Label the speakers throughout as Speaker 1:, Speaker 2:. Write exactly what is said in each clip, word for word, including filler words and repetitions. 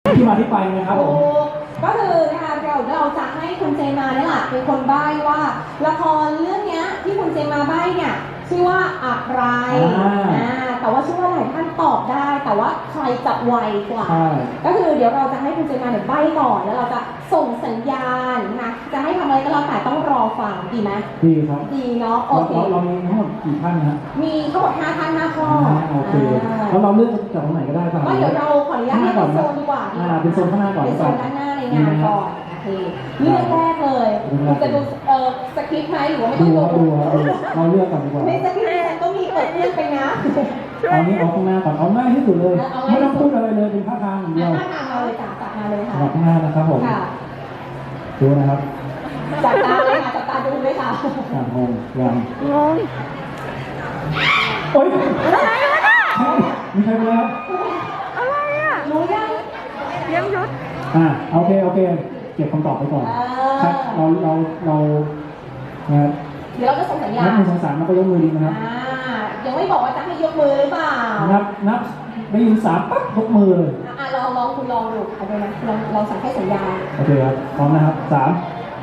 Speaker 1: ที่มาที่ไปนะครับผม
Speaker 2: ก็คือนะคะเราเราจะให้คุณเจมาเนี่ยแหละเป็นคนใบ้ว่าละครเรื่องนี้ที่คุณเจมาใบ้เนี่ยชื่อว่าอะไรอ่าแต่ว่าชื่อว่าหลายท่านตอบได้แต่ว่าใครจะไวกว่าก็คือเดี๋ยวเราจะให้คุณเจมาเนี่ยใบ้ก่อนแล้วเราจะส่งสัญญาณนะจะให้ทำอะไรก็แล้วแต่ต้องรอฟังดีไหม
Speaker 1: ดีครับ
Speaker 2: ดีเนาะโอเค
Speaker 1: เรามีทั้งหมดกี่ท่านนะ
Speaker 2: มีทั้งหมดห้าท่านห้าข้อ
Speaker 1: โอเคแล้วเราเลือกจากตรงไหนก็ได้ป่ะ
Speaker 2: ก็เดี๋ยวเราขออนุญาตให้เป็นโซนดีกว่า
Speaker 1: อ่าเป็นโซนข้างหน้าก่อน
Speaker 2: เป็นโซนด้านหน้าในงานก่อนโอเคเรื่องแรกเลยจะดูเอ่อสคริปต์ไหมหรือว่าไม่ต้องดู
Speaker 1: ดูเราเลือกก่อนดีกว่า
Speaker 2: ในสคริปต์ฉันก็มีเปิดเรื่องไปนะ
Speaker 1: เอานี้เอาข้างหน้าก่อนเอาง่ายที่สุดเลยไม่ต้องพูดอะไรเลยเป็นท่าทางอย่างเดียว
Speaker 2: ท่าทางเราเลยจ้ะจัดมาเลยค่ะ
Speaker 1: ข้างหน้านะครับผมดูนะครับ
Speaker 2: จับตาเลยค่ะจับตาดูเลยค่ะ
Speaker 1: งงยังงงโอ๊ยอะไรวะเนี่ยมีใครไปแล้ว
Speaker 3: อะไรอ่ะ
Speaker 2: รู้ยัง
Speaker 3: เยี่ยมยุทธ
Speaker 1: อ่าโอเคโอเคเก็บคำตอบไปก่อนครับเราเราเรา
Speaker 2: นะครับเดี๋ยวเราจะส่งสัญญาณ
Speaker 1: นับหนึ่งสองสามมันก็ยกมือดีนะครับ
Speaker 2: อ่ายังไม่บอกว่าจะให้ยกมือหรือเปล่า
Speaker 1: นับนับได้ยินสามปั๊บยกมือเลย
Speaker 2: อ่าลองลองคุณลองดูเอาดูนะลองลองสั่งให้สัญญาณ
Speaker 1: โอเคครับพร้อมนะครับสาม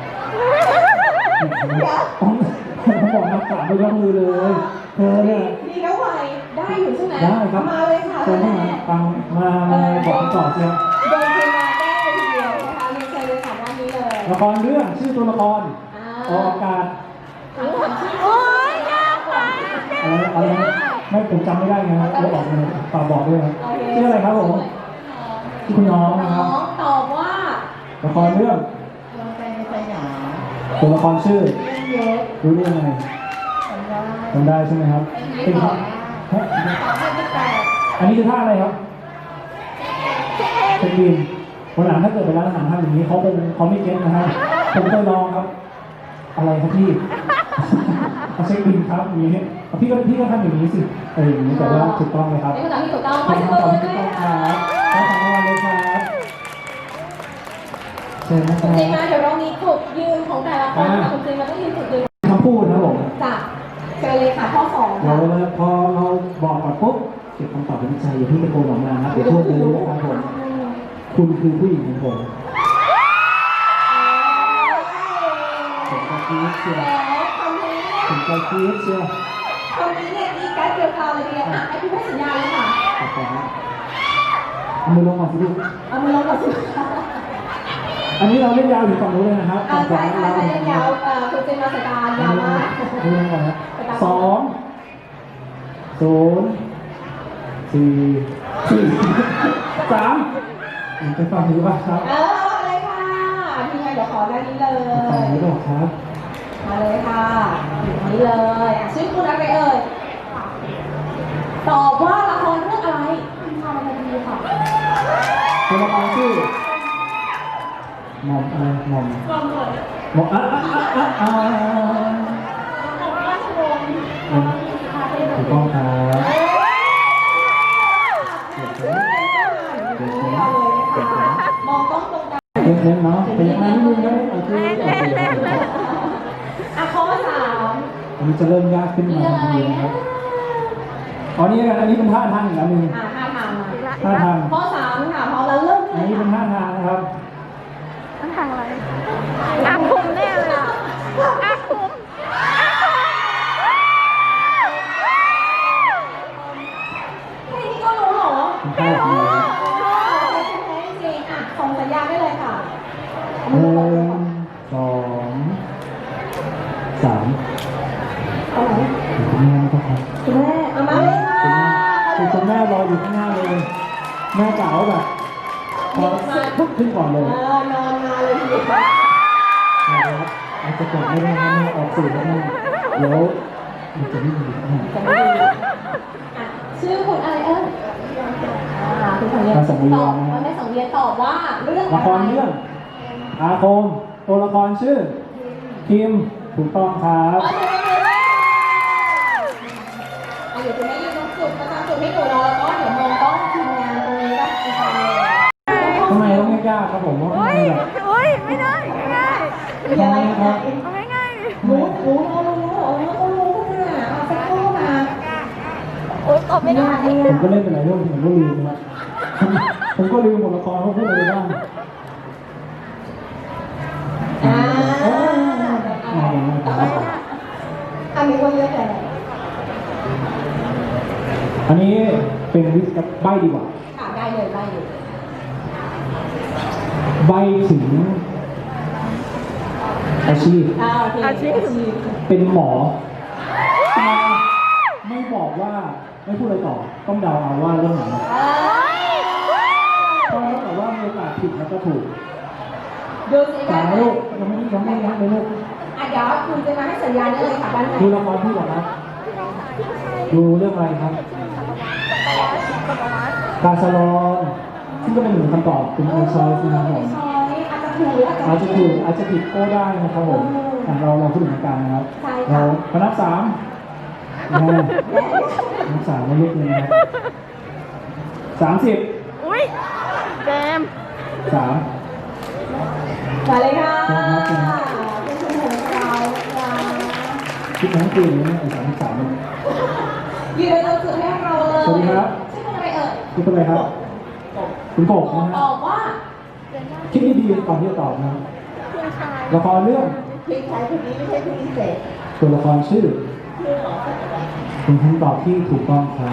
Speaker 1: ต้องต้องบอกนับสามยกมือเลยเธอเนี่ย
Speaker 2: ดีแล้วไวได้อยู่ใช่ไหม
Speaker 1: ได้ครับ
Speaker 2: มาเลยค่ะ
Speaker 1: เชิญเข้ามาฟังมามาบอกต่อเชียว
Speaker 2: โดยทีมงานได้เลยทีเดียวนะคะมีเชิญเลยค่ะด้านนี้เลย
Speaker 1: ละครเรื่องชื่อตัวละครออกอากาศ
Speaker 3: โอ้ยยากไป
Speaker 1: อะไรอะไรไม่ผมจำไม่ได้ไงเราบอกเลยฝากบอกด้วยครับชื่ออะไรครับผมชื่อคุณน้องนะครับ
Speaker 2: ตอบว่า
Speaker 1: ละครเรื่องตัวละครชื่อรู้ได้ยังไงจำได้ใช่ไหมครับเป็นอันนี้คือท่าอะไรครับเป็นบินวันหลังถ้าเกิดไปร้านอาหารทำอย่างนี้เขาเป็นเขาไม่เก็ตนะฮะผมเคยลองครับอะไรครับพี่เขาเช็คบินครับอย่างนี้พี่ก็พี่ก็ทำอย่างนี้สิเอออย่างนี้แต่ว่าถูกต้องไหมครับ
Speaker 2: เป็นคำตอบที่ถูกต้อง
Speaker 1: ขอบคุณครับถูกต้องครับขอบคุณมากเลยครับเชิญนะค
Speaker 2: รับคุณเจมาเดี๋ยวเรามีจุดยืนของแต่ละคนคุณเจมาต้องยืนจุดยืน
Speaker 1: คำพูดนะผม
Speaker 2: จ้ะเชิญเลยค่ะข้อสอง
Speaker 1: เราพอเราบอกก่อนปุ๊บเก็บคำตอบในใจอย่าเพิ่งตะโกนออกมานะเดี๋ยวพูดเลยนะครับผมคุณคือผู้หญิงของผมผมก็คิดเชียวผมก็คิดเชียว
Speaker 2: คำนี้เนี่ยมีการเกี่ยวกับอะไรเนี่ยอ่ะไอ้พี่ให้สัญญาเลยค่ะ
Speaker 1: ขอบคุณครับเอามือลงก่อนสิลูก
Speaker 2: เอามือลงก่อนสิ
Speaker 1: อันนี้เราเล่นยาวถึงฝั่งนู้นเลยนะครับ
Speaker 2: ใช่ใช่ใช่เล่นยาวคุณเจมาสตาร์ยาวมาก
Speaker 1: มือลงก่อนนะสองศูนย์สี่สี่สามไปฟังดูป่ะครับ
Speaker 2: เอออะไรค่ะที่ไงเดี๋ยวขอด้านนี้เลย
Speaker 1: ฟังนี้ก่อนครับ
Speaker 2: มาเลยค่ะนี่เลยชื่อคุณอะไรเอ่ยตอบว่าละครเรื่องอะไรคุณทำอะไรดีค่ะ
Speaker 1: ตัวละครชื่อหม่อมอะไรหม่อมหม่อมหม่อมอ่ะอ่ะอ่ะอ่ะถูกต้องครับ
Speaker 2: มองต้องตรงกัน
Speaker 1: เล่นๆเนาะเป็นยังไงนิดนึงนะโอเค
Speaker 2: อ่ะข้อสาม
Speaker 1: อันนี้จะเริ่มยากขึ้นมาทันทีนะครับอ๋อนี่อันนี้เป็นท่าทางอีกแล้วนึง
Speaker 2: อ่าท่าทาง
Speaker 1: ท่าทาง
Speaker 2: ข้อสามค่ะพอเราเริ่ม
Speaker 1: อันนี้เป็นท่าทางนะครับ
Speaker 3: ท่าทางอะไรอาคุมแน่เลยอ่ะอาคุม
Speaker 2: แค่นี้ก็รู้เหรอ
Speaker 1: ไม่รู้
Speaker 2: จริงอ่ะส่งสัญญาณได้เลยค่ะ
Speaker 1: หนึ่งสองสาม
Speaker 2: เอาไหน
Speaker 1: คุณแม่ก็ครับ
Speaker 2: คุณแม่เอามาเลยค่ะ
Speaker 1: คือคุณแม่รออยู่ข้างหน้าเลยแม่กล่าวแบบพอปุ๊บขึ้นก่อนเลย
Speaker 2: เออนอนมาเลยทีเดียว
Speaker 1: นะครับอาจจะกดไม่ได้นะแม่ออกสื่อแล้วแม่เดี๋ยวมันจะไม่ดีนะ
Speaker 2: ชื่อคุณอะไรเอ่ยคุณสังเวียนตอบแม่สังเวียนตอบว่าเรื่อง
Speaker 1: ละครเรื่องอาคมตัวละครชื่อคิมถูกต้องครับ
Speaker 2: เดี๋ยวคุณแม่ยืนตรงจุดประจำจุดให้หนูรอแล้วก็เดี๋ยวมองต้องทีมงานตรงนี้ก็อีกครั้งเลย
Speaker 1: ทำไมต้องไม่กล้าครับผมว่า
Speaker 3: ไม่ได้โอ้ยไม่ได้ง่าย
Speaker 2: มีอะไรครับ
Speaker 3: เอาง่าย
Speaker 2: ๆรู้รู้รู้รู้รู้รู้ค่ะเอาสักครู่มา
Speaker 3: โอ้ยตอบไม่ได้
Speaker 1: ผมก็เล่นไปหลายเรื่องผมก็ลืมนะครับผมก็ลืมหมดละครเขาพูดอะไรใบดีกว่า
Speaker 2: ค่ะได้เลยได้เลย
Speaker 1: ใบถึงอาชีพ
Speaker 2: อ่าโอเค
Speaker 3: อาชีพ
Speaker 1: เป็นหมอแต่ไม่บอกว่าไม่พูดอะไรต่อต้องเดาเอาว่าเรื่องไหน
Speaker 2: อ่า
Speaker 1: เพราะแต่ว่ามีโอกาสผิดแล้วก็ถูก
Speaker 2: ดูสิ
Speaker 1: แต่
Speaker 2: ว่า
Speaker 1: ลูกยังไม่ยังไม่ยังไม่ลูก
Speaker 2: อ่ะเดี๋ยวคุณจะมาให้สัญญาณได้เลยค่ะด้านใน
Speaker 1: ดูละครพี่ก่อนครับดูเรื่องอะไรครับกาสลอนซึ่งก็เป็นหนึ่งคำตอบเป็นอันซอยนะครับผม
Speaker 2: ช้อยอาจจะถูกหรืออา
Speaker 1: อา
Speaker 2: จ
Speaker 1: จ
Speaker 2: จะ
Speaker 1: จะ
Speaker 2: ผิ
Speaker 1: ถู
Speaker 2: ด
Speaker 1: กอาจจะผิดก็ได้นะครับผมอ่ะเราเราพูดถึงกันนะครับ
Speaker 2: ใช่ค่ะ
Speaker 1: เราพนับสามนะฮะนับสามไม่เยอะเลยนะครับสามสิบ
Speaker 3: อุ้ยเจมส์
Speaker 1: สาม
Speaker 2: มาเลยค่ะ
Speaker 1: ครับ
Speaker 2: เป็นคุณของเราค่ะ
Speaker 1: คิดทั้งคืนเลยนะไอ้สามสิบสามเนี่ย
Speaker 2: ยืนเราสุดให้เราเลย
Speaker 1: สวัสดีครับ
Speaker 2: ชื่อคุณอะไรเอ่ย
Speaker 1: คิดเป็นอะไรครับคุณกบนะ
Speaker 2: ต
Speaker 1: ฮะ
Speaker 2: อบว่า
Speaker 1: คิดดีๆก่อนที่จะตอบนะครับ
Speaker 3: คุณชาย
Speaker 1: ละครเรื่อง
Speaker 2: พลิกใช้คนนี้ไม่ใช่พิเศษ
Speaker 1: ตัวละครชื่อ
Speaker 2: ชื่อหรอสักอะไร
Speaker 1: เป็นคำตอบที่ถูกต้องครับ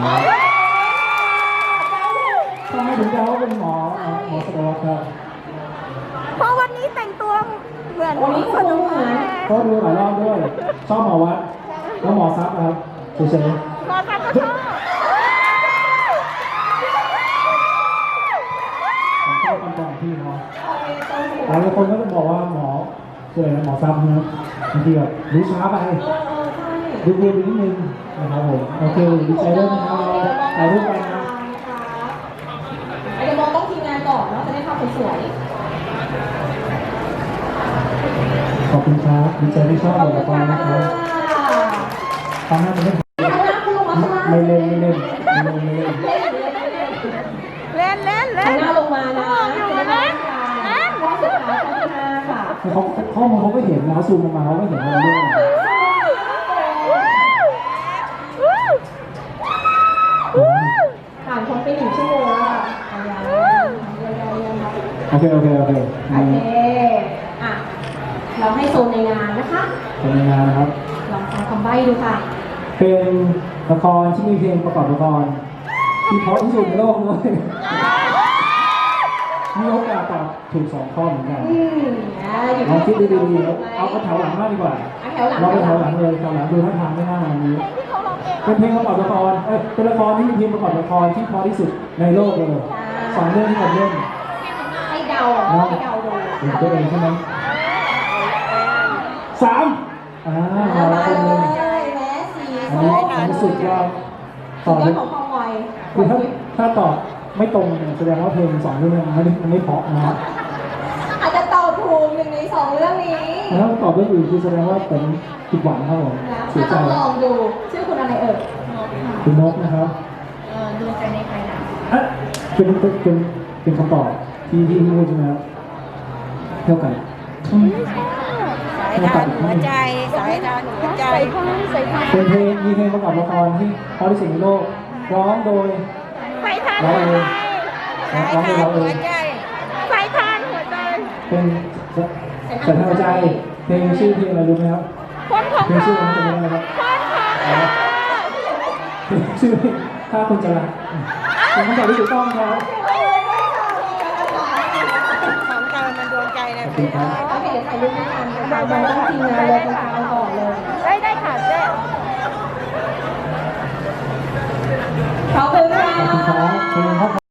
Speaker 1: ทำไมถึงจะว่าเป็นหมอเอ่อหมอสตวครับ
Speaker 3: เพราะวันนี้แต่งตัวเหมือน
Speaker 2: วันนี้คุณเหมือน
Speaker 1: ก็ดูหลายรอบด้วย ชอบหมอวัดแล้วหมอซับนะครับเฉย
Speaker 3: รอซับก็ชอบ
Speaker 1: ๆผมชอบคำตอบของพี่เขา
Speaker 2: โอเคตรงหัว
Speaker 1: หลายคนก็จะบอกว่าหมอชื่ออะไรนะหมอซับนะครับบางทีแบบรู้ช้าไป
Speaker 2: เออเออใช่
Speaker 1: ดูดูนิดนึงนะครับผมโอเคดีใจด้วยนะครับเราถ่ายรูปกันนะ
Speaker 2: เดี๋ยวมองต้องทีมงานก่อนเนาะจะได้ภาพสวย
Speaker 1: ขอบคุณครับดีใจที่ชอบ
Speaker 2: ๆขอบ
Speaker 1: บท
Speaker 2: คุ
Speaker 1: ละ
Speaker 2: ณ
Speaker 1: คร
Speaker 2: ค่ะ
Speaker 1: นะครับตอนหน้าจะเล่น
Speaker 2: ข้างหน้าคุณลงมาข้างล่าง
Speaker 1: ไม่เล่นไม่เล่นไม่เล่นไม่เล่น
Speaker 2: เล่นเล่นเล่นเล่น
Speaker 3: เล่นเล่นเล่น
Speaker 2: ข้างหน้าลงมานะ
Speaker 3: อยู่เล่นเล่น
Speaker 2: ข้อสุดท้ายข้อที่ห้าค่ะ
Speaker 1: เขาข้อมูลเขาก็เห็นนะเขาซูมลงมาเขาก็เห็นว่าเราเล่นอะไร
Speaker 2: ผ่านคนไปหนึ่งชั่วโมงแล้วค่ะ
Speaker 1: โอเคโอเคโอเค
Speaker 2: โอเคอ่ะเราให้โซนในงานนะคะ
Speaker 1: เป็นงานนะครับ
Speaker 2: ลองฟังคำใบ้ดูค่ะ
Speaker 1: เป็นละครที่มีเพลงประกอบละครที่เพราะที่สุดในโลกเลยมีโอกาสตอบถูกสองข้อเหมือนกัน
Speaker 2: อืมอ่าอยู่
Speaker 1: ลองคิด
Speaker 2: ที่
Speaker 1: ดี
Speaker 2: เรา
Speaker 1: ๆเอาเอาแถวหลังมากดีกว่า
Speaker 2: เอาแถวหลัง
Speaker 1: เราไปแถวหลังเลยแถวหลังดูท่าทางไม่น่าอันนี้
Speaker 3: เพลงที่เขาร้องเอง
Speaker 1: เป็นเพลงประกอบละครเอ้ยเป็นละครที่มีเพลงประกอบละครที่เพราะที่สุดในโลกเลยสองเรื่องที่ผมเล่น
Speaker 2: ให้เดาให้เดาดู
Speaker 1: เป็นตัวเองใช่ไหมสามอ่า
Speaker 2: อ่า
Speaker 1: มาแล้วคนหนึ่ง
Speaker 2: ใช่แม้สี
Speaker 1: อัน
Speaker 2: ส้
Speaker 1: นี้
Speaker 2: ม
Speaker 1: อันนี้สุดยอด
Speaker 2: สุ
Speaker 1: ต่อ
Speaker 2: ดย
Speaker 1: เล
Speaker 2: อด
Speaker 1: ย
Speaker 2: ของความไว
Speaker 1: คือถ้าถ้าตอบไม่ตรงเนี่ยแสดงว่าเพลงสองเรื่องมันไม่ได้มันไม่เพราะนะครับ
Speaker 2: อาจจะตอบถูกหนึ่งในสองเรื่องนี้
Speaker 1: แต่ถ้าตอบเรื่องอื่นคือแสดงว่าผมผิดหวังครับผม
Speaker 2: นะ
Speaker 1: เสีย
Speaker 2: ถ้า
Speaker 1: ใจ
Speaker 2: ต้องลองดูชื่อคุณอะไรเอ่ย
Speaker 1: คุณนกนะครับ
Speaker 2: เออดูใจในภายหลัง
Speaker 1: อ่ะเป็นเป็นเป็นเป็นคำตอบที่ที่พูดใช่ไหมครับเท่ากันอืม
Speaker 4: สายทานหัวใจ สายทานหัวใจ
Speaker 3: ใส่ผ้าใส่ผ้า
Speaker 1: เป็นเพลงมีเพลงประกอบละครที่เพราะที่สุดในโลกร้องโดย
Speaker 3: ใส่ทาน
Speaker 1: ร้อง
Speaker 3: หัว
Speaker 1: เอ
Speaker 3: ใจ
Speaker 1: งร้อง
Speaker 4: สาย
Speaker 1: โดย
Speaker 4: ทาน
Speaker 1: เราเอ
Speaker 4: หัว
Speaker 1: ง
Speaker 4: ใจ
Speaker 3: ใส่ทานหัวใจ
Speaker 1: เป็นแต่ทางใจเพลงชื่อเพลงอะไรรู้ไหมครับ
Speaker 3: คนของ
Speaker 1: เพลง
Speaker 3: เรา
Speaker 1: ชื่อมันจะเป็นอะไรครับ
Speaker 3: คนของเรา
Speaker 1: เพลงชื่อเพลงถ้าคุณจะรักเป็นคำตอบที่ถูกต้องครับ
Speaker 4: ของเธอมันดวงใจนะ
Speaker 1: ขอบคุ
Speaker 4: พี่
Speaker 1: ณครับ
Speaker 2: โอเคเดี๋ยวถ่ายรูปด้วยกันนะคะมันต้องทีมงานเลยตรงกลางก่อน